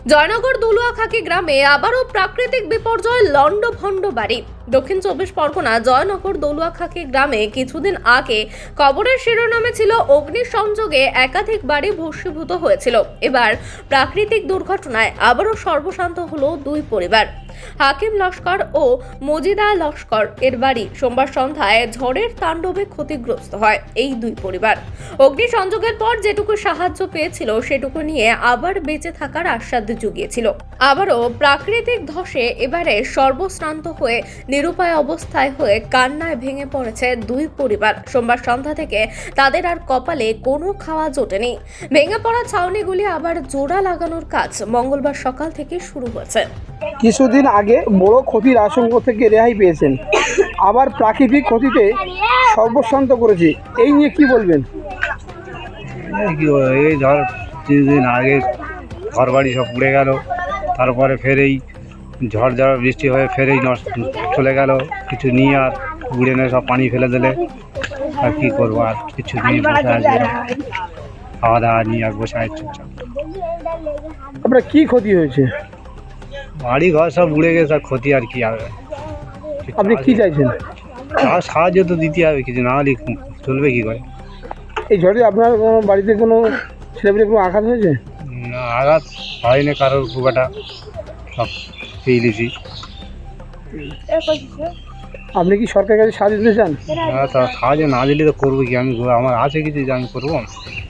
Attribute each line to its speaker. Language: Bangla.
Speaker 1: জয়নগর দলুয়াখাকি গ্রামে আবারও প্রাকৃতিক বিপর্যয় লন্ডভন্ড বাড়ি। দক্ষিণ চব্বিশ পরগনা জয়নগর দলুয়াখাকি গ্রামে কিছুদিন আগে খবরের শিরোনামে ছিল অগ্নিসংযোগে একাধিক বাড়ি ভস্মীভূত হয়েছিল। এবার প্রাকৃতিক দুর্ঘটনায় আবারও সর্বশান্ত হলো দুই পরিবার। হাকিম লস্কর ও মজিদা লস্কর এর বাড়ি সোমবার সন্ধ্যায় ঝড়ের তাণ্ডবে ক্ষতিগ্রস্ত হয় এই দুই পরিবার। অগ্নিসংযোগের পর যেটুকু সাহায্য পেয়েছিল সেটুকু নিয়ে আবার বেঁচে থাকার আশ্বাস জুগিয়েছিল। আবারও প্রাকৃতিক ধসে এবারে সর্বশ্রান্ত হয়ে নিরুপায় অবস্থায় হয়ে কান্নায় ভেঙে পড়েছে দুই পরিবার। সোমবার সন্ধ্যা থেকে তাদের আর কপালে কোনো খাওয়া জোটেনি। ভেঙে পড়া ছাউনিগুলি আবার জোড়া লাগানোর কাজ মঙ্গলবার সকাল থেকে শুরু হয়েছে।
Speaker 2: কিছুদিন আগে বড় ক্ষতির আশঙ্কা থেকে রেহাই পেয়েছেন, আবার প্রাকৃতিক ক্ষতিতে সর্বশান্ত করেছে, এই নিয়ে কি বলবেন?
Speaker 3: এই ধর 3 দিন আগে ঘর বাড়ি সব পুড়ে গেল, তারপরে ফের এই ঝড় বৃষ্টি হয়ে ফেরেই চলে গেল। কিছু নিয়ে আর উড়ে নিয়ে সব পানি ফেলে দিলে আর কী করবো, আর কিছু নিয়ে বসে আছে, খাওয়া দাওয়া নিয়ে আর বসে আছে চুপচাপ।
Speaker 2: আপনার কি ক্ষতি হয়েছে?
Speaker 3: বাড়ি ঘর সব উড়ে গেছে, আর ক্ষতি আর কি হবে।
Speaker 2: আপনি কি চাইছেন?
Speaker 3: আর সাহায্য তো দিতে হবে, কিছু না হলে চলবে কী করে।
Speaker 2: এই ঝড়ে আপনার কোনো বাড়িতে কোনো ছেলেমেয়ে কোনো আঘাত হয়েছে?
Speaker 3: না, আঘাত হয়নি কারোর, খুব একটা সব পেয়ে দিয়েছি।
Speaker 2: আপনি কি সরকারের কাছে সাহায্য দিতে চান?
Speaker 3: তা সাহায্য না দিলে তো করবো কি, আমি আমার আছে কিছু যে আমি করবো।